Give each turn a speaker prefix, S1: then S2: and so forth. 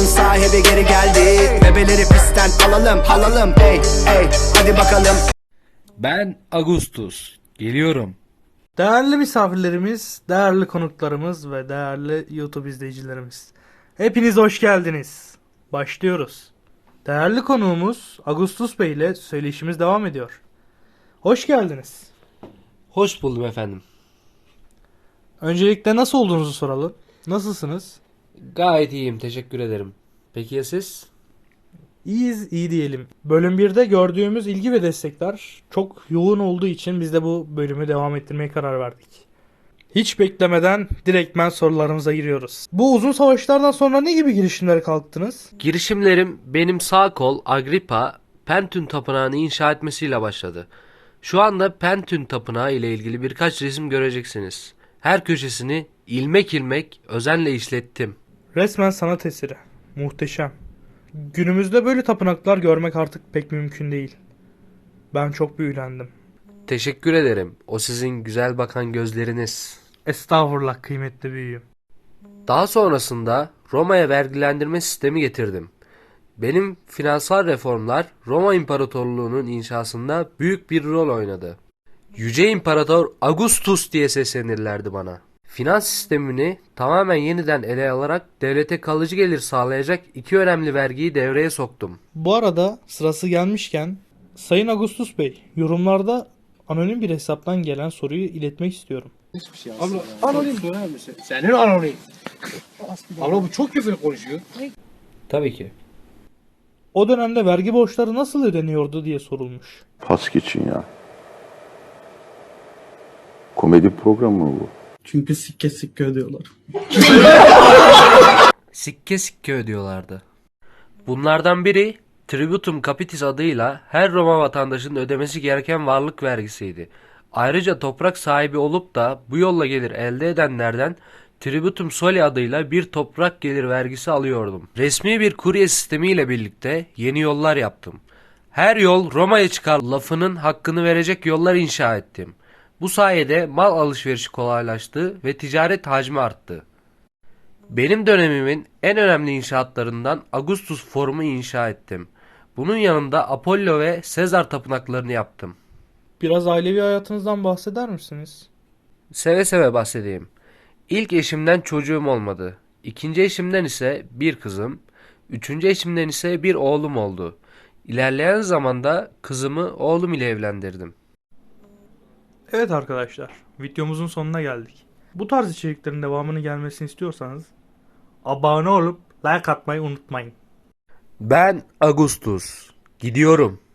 S1: sahibi geri geldi. Bebeleri pistten alalım ey hadi bakalım.
S2: Ben Agustus. Geliyorum.
S3: Değerli misafirlerimiz, değerli konuklarımız ve değerli YouTube izleyicilerimiz. Hepiniz hoş geldiniz. Başlıyoruz. Değerli konuğumuz Agustus Bey ile söyleşimiz devam ediyor. Hoş geldiniz.
S2: Hoş buldum efendim.
S3: Öncelikle nasıl olduğunuzu soralım. Nasılsınız?
S2: Gayet iyiyim, teşekkür ederim. Peki ya siz?
S3: İyiyiz, iyi diyelim. Bölüm 1'de gördüğümüz ilgi ve destekler çok yoğun olduğu için biz de bu bölümü devam ettirmeye karar verdik. Hiç beklemeden direktmen sorularımıza giriyoruz. Bu uzun savaşlardan sonra ne gibi girişimlere kalktınız?
S2: Girişimlerim benim sağ kol Agrippa Pentün Tapınağı'nı inşa etmesiyle başladı. Şu anda Pentün Tapınağı ile ilgili birkaç resim göreceksiniz. Her köşesini ilmek ilmek özenle işlettim.
S3: Resmen sanat eseri. Muhteşem. Günümüzde böyle tapınaklar görmek artık pek mümkün değil. Ben çok büyülendim.
S2: Teşekkür ederim. O sizin güzel bakan gözleriniz.
S3: Estağfurullah kıymetli büyüğüm.
S2: Daha sonrasında Roma'ya vergilendirme sistemi getirdim. Benim finansal reformlar Roma İmparatorluğu'nun inşasında büyük bir rol oynadı. Yüce İmparator Augustus diye seslenirlerdi bana. Finans sistemini tamamen yeniden ele alarak devlete kalıcı gelir sağlayacak iki önemli vergiyi devreye soktum.
S3: Bu arada sırası gelmişken Sayın Agustus Bey yorumlarda anonim bir hesaptan gelen soruyu iletmek istiyorum.
S4: Anonim söyler misin? Senin anonim. Abla bu çok küfür konuşuyor.
S2: Tabii ki.
S3: O dönemde vergi borçları nasıl ödeniyordu diye sorulmuş.
S5: Pas geçin ya. Komedi programı mı bu?
S6: Çünkü sikke sikke ödüyorlar.
S2: Sikke sikke ödüyorlardı. Bunlardan biri Tributum Capitis adıyla her Roma vatandaşının ödemesi gereken varlık vergisiydi. Ayrıca toprak sahibi olup da bu yolla gelir elde edenlerden Tributum Soli adıyla bir toprak gelir vergisi alıyordum. Resmi bir kurye sistemiyle birlikte yeni yollar yaptım. Her yol Roma'ya çıkar lafının hakkını verecek yollar inşa ettim. Bu sayede mal alışverişi kolaylaştı ve ticaret hacmi arttı. Benim dönemimin en önemli inşaatlarından Augustus Forum'u inşa ettim. Bunun yanında Apollo ve Sezar tapınaklarını yaptım.
S3: Biraz ailevi hayatınızdan bahseder misiniz?
S2: Seve seve bahsedeyim. İlk eşimden çocuğum olmadı. İkinci eşimden ise bir kızım, üçüncü eşimden ise bir oğlum oldu. İlerleyen zamanda kızımı oğlum ile evlendirdim.
S3: Evet arkadaşlar, videomuzun sonuna geldik. Bu tarz içeriklerin devamını gelmesini istiyorsanız abone olup like atmayı unutmayın.
S2: Ben Agustus. Gidiyorum.